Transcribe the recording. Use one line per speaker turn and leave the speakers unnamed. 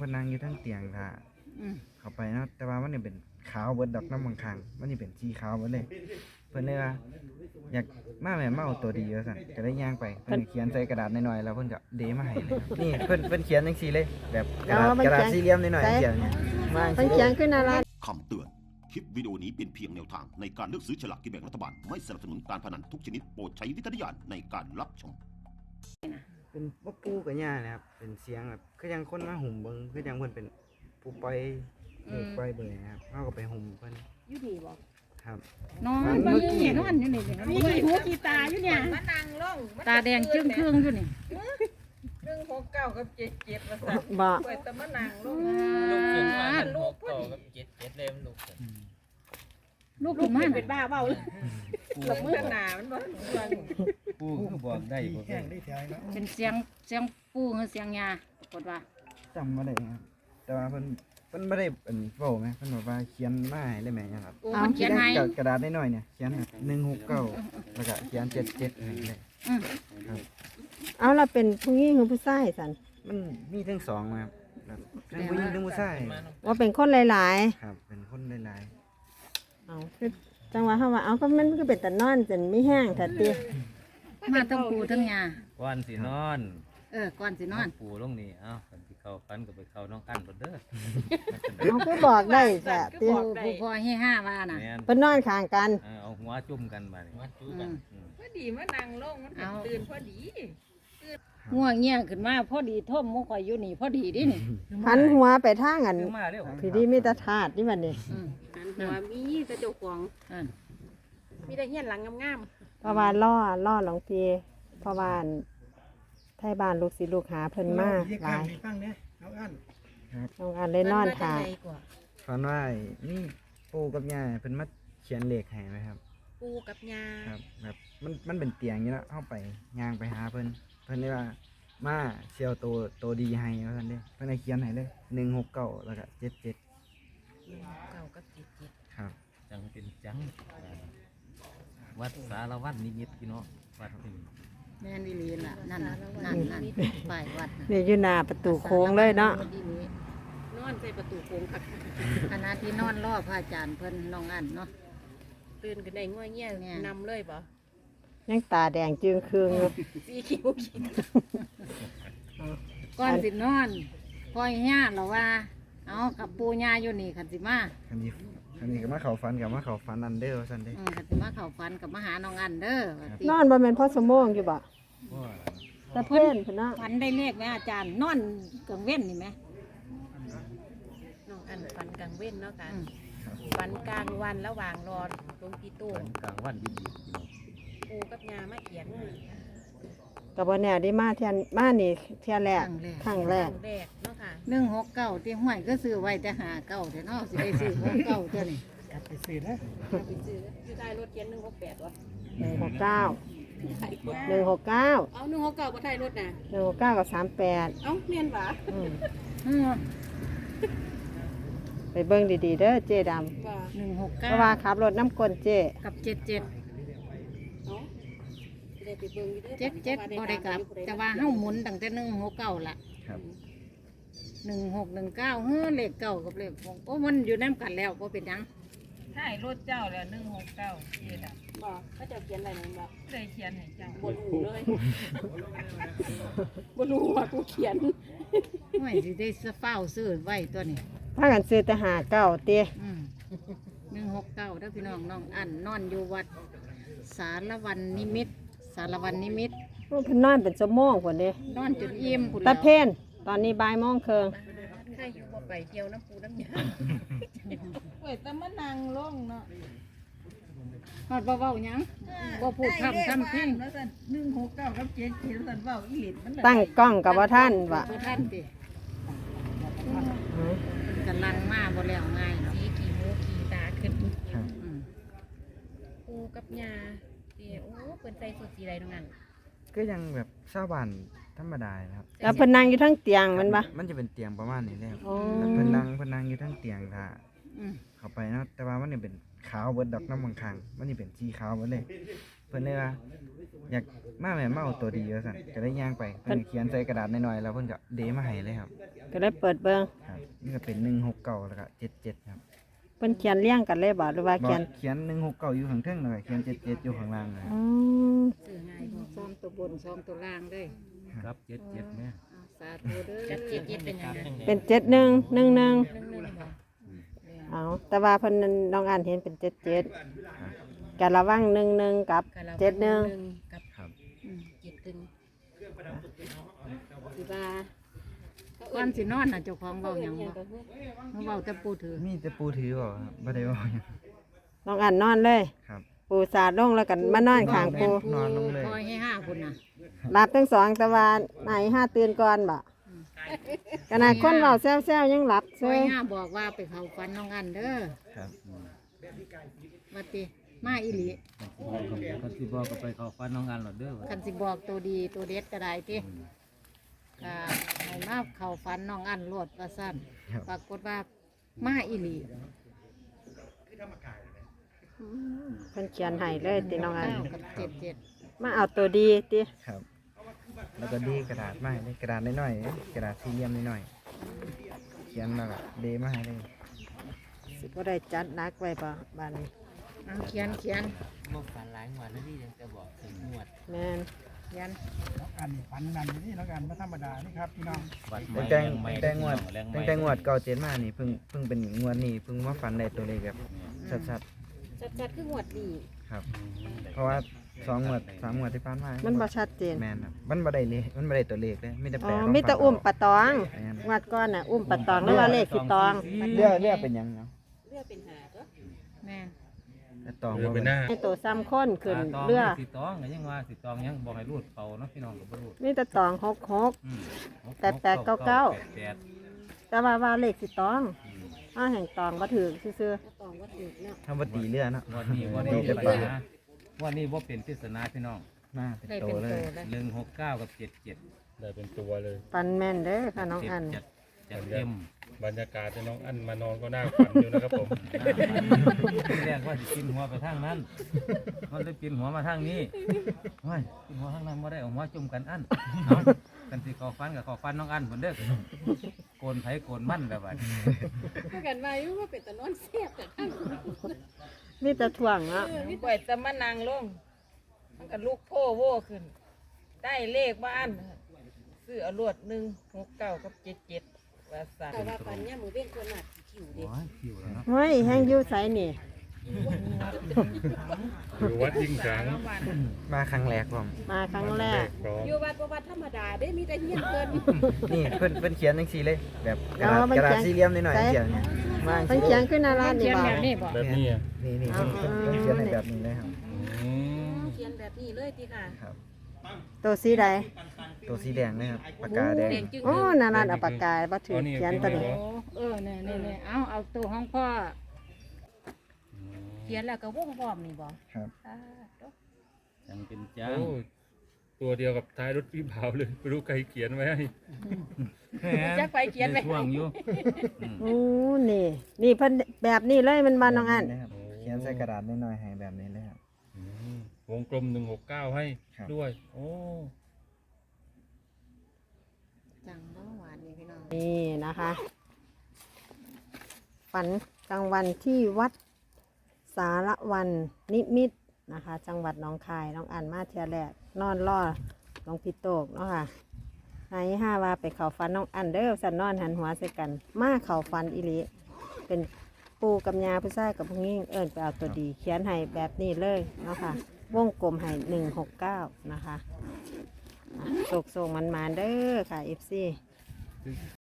นนั่งอยู่ทั้งเตียงค่ะเข้าไปเนาะแต่ว่ามันนี่เป็นขาวเบิดดอกน้ำบางครั้งมันนี่เป็นสีขาวเบิดเลยเพิ่นเลยว่าอยากมาแม่มาเอาตัวดีว่าซั่นก็ได้ย่างไปเพิ่นเขียนใส่กระดาษน้อยๆแล้วเพิ่นก็เดมาให้เลยนี่เพิ่นเขียนจังซี่เลยแบบกระดาษสี่เหลี่ยมน้อยๆเขียนมาจัง
เพิ่น
ซี่
เขียนขึ้นอะไร
คำเตือน คลิปวิดีโอนี้เป็นเพียงแนวทางในการเลือกซื้อฉลากกินแบ่งรัฐบาล ไม่สนับสนุนการพนันทุกชนิดโปรดใช้วิจารณญาณในการรับชม
เป็นบ่ปู่กับย่านะครับเป็นเสียงแบบคือยังคนมาหุ่มเบิ่งคือยังเพิ่นเป็นผู้ปล่อยปล่อยเบิ่งนะครับเฮาก็ไปหุ่มเพิ่น
อยู่ดีบ่
ครับ
นอนเบิ่งนี่นอนอยู่นี่มีหูกีตาอยู่เนี่ย
มานั่งลง
ตาแดงจึ้งครึ่งอยู่นี่
169กับ77ว่าซั่น
บ่
ไปแต่มานั่งลง
ลูกขึ้นมาหันหกต่อกับเจ็ดเลยมันลูกขึ้น
ลูกขึ้นมา
เป็นบ้าเว้าเลย
กับมือหน้ามันบ่ฟัง
ปูคือบอกได้บอกได้
เป็นเสียงปู่หรือเสียงยาปรากฏว่า
จำบ่ได้ครับแต่ว่าเพิ่นบ่ได้เป็นเว้าแม่เพิ่นบอกว่าเขียนมาให้เลยแม่ครับ
โอ้มันเขียนให้
กระดาษน้อยๆเนี่ยเขียน169แล้วก็เขียน77ให้เลย
อืม
ครับ
เอาล่ะเป็นผู้หญิงหรือผู้ชายสัน
มันมีทั้งสองนะครับแบบทั้งผู้หญิงทั้งผู้ชาย
ว่าเป็นคนหลาย
ครับเป็นคนหลาย
ๆเอาคือจังหวะเฮาว่าเอาก็มันก็เป็นตะนอนจนไม่แห้งถ้าติ
มาทั้งปู่ทั้งยา
ก่อนสินอน
ก่อนสินอน
ปูลงนี่เอ้ากันที่เข้าฟันก็ไปเข้าน้องอันบ่เด้อ
เอาคือบอกได้จ้ะติ
ผู้พ่อให้ห้าว่าน่ะ
แม่น
เพิ่นนอนข้างกัน
เอาหัวจุ่มกันมานี่หัวจุ่มกัน
พอดีมานั่งลงมันเป็นตื่นพอดี
ง่วงเงี้ยขึ้นมาพอดีท่มมุกข่อยอยู่นี่พอดีดินี่
หันหัวไปทางอัน
คือมาเร็ว
พี่ดีมีแตาถาดนี่บัดนี้
หันหัวมีแต่เจ้าของ
นั่น
มีแต่เฮียนหลังงาม
เพราะว่าล่อหลวงพี่เพราะว่าไทยบ้านลูกศิษย์ลูกหาเพิ่นมาหลายน้องอันเลยนอนท่า
ๆฝันว่านี่ปู่กับย่าเพิ่นมาเขียนเลขให้ไหมครับ
ๆปูกับยา
ครับแบบมันเป็นเตียงอยู่แล้วเข้าไปย่างไปหาเพิ่นได้ว่ามาเชียวตัวดีให้ว่าซั่นเด้เพิ่นได้เขียนให้เลย169แล้วก็77
เก่ากับ77
ครับ
จังเป็นจังวัดสารวัตรนิมิตพี่น้องวัดนี่
แม่นอีหลีล่ะนั่นน่ะนั่นป้ายวัดน่ะ
นี่อยู่หน้าประตูโค้งเลยเนาะ
นอนใส่ประตูโค้งคัก
ขณะที่นอนรอพระอาจารย์เพิ่นน้องอันเนาะ
ตื่นกันได้ง่วยเงี้ย
แม่
นำเลยบ่
ยังตาแดงจึงครึ่งอยู่
สีคิ้วขีด
ก่อนสินอนพ่อยย่าเราว่า เอากับปู่ย่าอยู่นี่คันสิมา
คันนี้ก็มาเข้าฝันกับมาเข้าฝันอันเด้อว่าซั่นเด้
คันสิมาเข้าฝันกับมาหาน้องอันเด้อว่าติ
นอนบ่แม่นพ่อสมองอยู่บ่
ว่า
ตะเพิ่นเพิ่นเนาะ
ฝันได้เลขไหมอาจารย์นอนกลางเว้นนี่ไหม
น้องอันฟันกลางเว้นเนาะค่ะ
อืม
ฟันกลางวันระหว่างรอลงที่ตู้
กลางวันดีๆพี่น้อง
ปูกับยามาเขียน
ก็บ่แน่ได้มาเที่ยมานี่เที่ยแรกครั้งแร
ค
ก
รั้งแรกเนาะค่ะ
169ที่ห้วยก็ซื้อไว้แต่59แต่เนาะสิได้ซื้อ69เท่านี้
ไปซื้ออยู่ใต้รถเขียน168วะ
169
เอา169บ่ใต้รถน่ะ
169กับ38
เอ้าแม่นหวะ
อืม
อืม
ไปเบิ่งดีๆเด้อเจ๊ดำ
บ่
เพราะว่า
169
ขับรถน้ำกลเจ๊
กับ77
เนาะได้ไปเบิ่งอยู่เด้อ
77บ่ได้กลับ แต่ว่าเฮาหมุนตั้งแต่169ล่ะ
ครับ
1619เลขเก้ากับเลข6โอ้มันอยู่นํกันแล้วบ่เป็นหยัง
ถ่ายรถเจ้าแล้ว169เจ็ดอ่ะ
บ่เขาเจะเขียนอะไรนั่นบ่
ได้เขียนให้เจ้า
บ่รู้เลย บ่รู้ว่ากูเขียน
ไม่สิได้เฝ้าซื้อไว้ตัวนี้
ถ้ากันซื้อแต่59เต้
169เด้อพี่น้องน้องอันนอนอยู่วัดสารวันนิมิตรสารวันนิมิตร
โอ้เพิ่นนอนเป็นชั่วโมงพุ่นเด้
นอนจนอิ่มพุ่น
ตะ
แล้ว
เพ่นตอนนี้บ่ายโมงครึ่ง
ใครอยู่บ่ไปเที่ยวน้ำปูน้ำยา
ไปแต่มานั่งลงเนาะ
ฮอดบ่เว้าหยังบ่พูดคำทำเพลง
ว่าซั่น169กับ77ซั่นเว้าอีหลิมัน
ตั้งกล้องกับว่าท่านว่ะ
บ่ทันติเพิ่นกำลังมาบ่แล้วง่าย
สีกี่หูกี่ตาขึ้น
ครับ
อืม
ปูกับยาเดี๋ยวโอ้เพิ่นใส่สุดสีใดตรงนั้น
ก็ยังแบบชาวบ้านธรรมดานะครับ
แล้วเพิ่นนั่งอยู่ทั้งเตียงแมันบ่
มันจะเป็นเตียงประมาณนี้แหละครับ
อ๋อ
แล้วเพิ่นนั่งอยู่ทั้งเตียงค่ะ
อืม
เข้าไปเนาะแต่ว่ามันนี่เป็นขาวเบิดดอกน้ำบางครั้งมันนี่เป็นสีขาวเบิดเลยเพิ่นเลยว่าอยากมาแม่มาเอาตัวดีว่าซั่นก็ได้ย่างไปเพิ่นเขียนใส่กระดาษน้อยๆแล้วเพิ่นก็เดมาให้เลยครับ
ก็ได้เปิดเบิ่ง
คนี่ก็เป็น169แล้วก็77ครับ
เพิ่นเขียนเรียงกันเลยบ่หรือว่า
บอ
เขียน
กเขียน169อยู่ข้างเทิงแล้วก็เขียน77อยู่ข้างล่างเลย
อืม
ซื้อง่ายบ่ซ้อมตัวบนซ้อมตัวล่างเลย
ครับเจ็ดแม่
เอาสาธุเด้อกับเจ็ดเจ็ดเป็นยังไง
เป็น7111
เรื่องบ่
เอาแต่ว่าเพิ่นน้องอันเห็นเป็น77ก็ระวัง11กับ
กะละ
71
กับ
ครับ
เจ็ดตึงสิว่า
ก่อนสินอนน่ะเจ้าของเว้าหยังบ่มาเว้าแต่ปูถือ
มีแต่ปูถือบ่ครับบ่ได้เว้าหยัง
น้องอันนอนเลย
ครับ
ปูสาดลงแล้วกันมานอนข้างปู
นอนลงเลย
คอยให้ห้าคนน่ะ
หลับทั้งสองแต่ว่าไหนห้าตื่นก่อนบ่ขนาดคนเว้าแซวๆยังหลับ
ค
เซ
อย
ย
ห้าบอกว่าไปเข้าฝันน้องอันเด้อ
ครับ
ว่าติมาอีหลี
กันสิบอกก็ไปเข้าฟันน้องอันหลอดเด้อ
คันสิบอกตัวดีตัวเด็ดก็ได้ติก็ให้มาเข้าฝันน้องอันโลดว่าซั่น
ครับ
ปรากฏว่ามาอีหลี
เพิ่นเขียนให้เลยติน้องอัน
9กับ77
มาเอาตัวดีติ
ครับ แล้วก็ดีกระดาษมาให้เลยกระดาษน้อยๆกระดาษสี่เหลี่ยมน้อยๆเขียนแล้วก็เดมาให้เลย
สิบ่ได้จัดหนักไว้บ่บ้านนี้
เอาเขียน
บอกฝันหลายงวดแล้วนี่ยังจะบอกถึงงวด
แม่น
เขียน
อันนี้ฝันนั่นอยู่นี่แล้วกันไม่ธรรมดานี่ครับพี่น้อง
วัด
แต่งวดเก่าเจ็ดมานี่เพิ่งเป็นงวดนี้เพิ่งมาฝันได้ตัวเลขแบบชัด
จัดๆคืองวดดี
ๆครับ เพราะว่า2งวด3งวดที่ผ่านมา
มันบ่ชัดเจน
แม่นครับมันบ่ได้เลขมันบ่ได้ตัวเลขเลยมีแต่
อ๋
แปล
อ
ของ
มีแต่อุ้มปะตอง
แม่น
งวดก่อนน่ะอุ้มปะตองแล้วว่าเลขสิตอง
เรือเป็นหยังเนาะ
เลือเป็นหาก็
แม่น
แต่ตองบ่เป็น
ให้ตัวซ้ำค้นขึ้น
ตอง
เรือ
สีตองก็ยังว่าสีตองยังบอกให้รูดเป่าเนาะพี่น้องก็บ่รูด
มีแต่ตอง66
อืม
แปดเก้า
แปด
แต่ว่าเลขสิตองอ้าแห่งตองบ่ถือซื่อ
ก็ตองว่าถูกเนาะ
ทำบ่ตีเรือเนาะ
วันนี้วันนี้
มีแต่
เป็น
ปลา
ปริศนาวันนี้ว่าเป็นปริศนาพี่น้อง
มาเป็น
ได้
โต
เป็น
เล
โต
ย
เลย
169กับ77
ได้เป็นตัวเลย
ๆปันแม่นเด้อค่ะน้องอัน
จัดเต็ม
บรรยากาศที่น้องอันมานอนก็น่าฝันอยู่นะครับผม
ที่แรกว่าจะกินหัวไปทางนั้น มันเลยกินหัวมาทางนี้โอ้ยกินหัวทางนั้นไม่ได้เอาหัวจุ่มกันอันเอากันสิขอฟันกับขอฟันน้องอันเหมือนเด้อโกนไผโกนมั่นแบบว่า
ถ้ากันว่าอยู่ว่าเป็นตะนอนเสียบแต่ข้าง
มีแต่ถ่วงเนาะ
ปล่อยจะมานั่งลงมันก็ลูกโพ่โว่ขึ้น ได้เลขบ้านซื้อเอารวด169กับ77ว่าสั่น
แต่ว่าปันเนี่ยมือเว้นคนหนักขิวเด็ก
โอ้ยคิวแล้วเนาะ
เฮ้ยแห้งอยู่ไสนี่
อยู่วัดยิ่งสัง
มาครั้งแรกผม
มาครั้งแรก
พร้อม
อยู่วัดบ่วัดธรรมดาเด้มีแต่เฮียนเกิน
นี่เพิ่นเขียนจังซี่เลย แบบกระดาษ
อ๋อมัน
กระดาษ
เขียน
สี่เหลี่ยมนิดหน่อย
ใส่
เขียนเนี่ยมา
เพิ่นเขียนขึ้นหน้าร้าน
เขี
นี่
ยน
บ่
แบบนี้บ่
แบบนี้อ่ะ
นี่เพิ่นเขียนในแบบนี้เลยครับ
อืม
เขียนแบบนี้เลยติค่ะ
ครับ
ตัวสีใด
ตัวสีแดงเลยครับปากกาแดง
แดงจึง
โอ้หน้าร้านเอาปากกาบ่ถือเขียนตัวนี้
โอ้เนี่ยเอาตัวของพ่อ
เขียนแล้วก็วงพร้อมนี่บ่
ครับ
จังเป็นจัง
โอ้ตัวเดียวกับท้ายรถพี่บ่าวเลยไม่รู้ใครเขียนไว้ให้
จักไปเขียนไว้
ด้ช่วงอยู่
โอ้นี่เพิ่นแบบนี้เลยมันมาน้องอัน
แบบครับเขียนใส่กระดาษนิดหน่อยให้แบบนี้เลยครับ
อืมวงกลม169ให้
ครับ
ด้วย โอ้
จังบ่หวานนี่พี่น้อง
นี่นะคะ ฝันกลางวันที่วัดสารวันนิมิตรนะคะ จังหวัดหนองคายน้องอันมาเทียแรกนอนรอหลวงพี่โตกเนาะค่ะนายห้าว่าไปเข่าฟันน้องอันเด้อสันนอนหันหัวใส่กัน มาเข่าฟันอิลิเป็นปูกับยาผู้ชายกับผู้หญิงเอิญไปเอาตัวดี เขียนให้แบบนี้เลยเนาะค่ะวงกลมให้169นะคะโศกมันเด้อค่ะ FC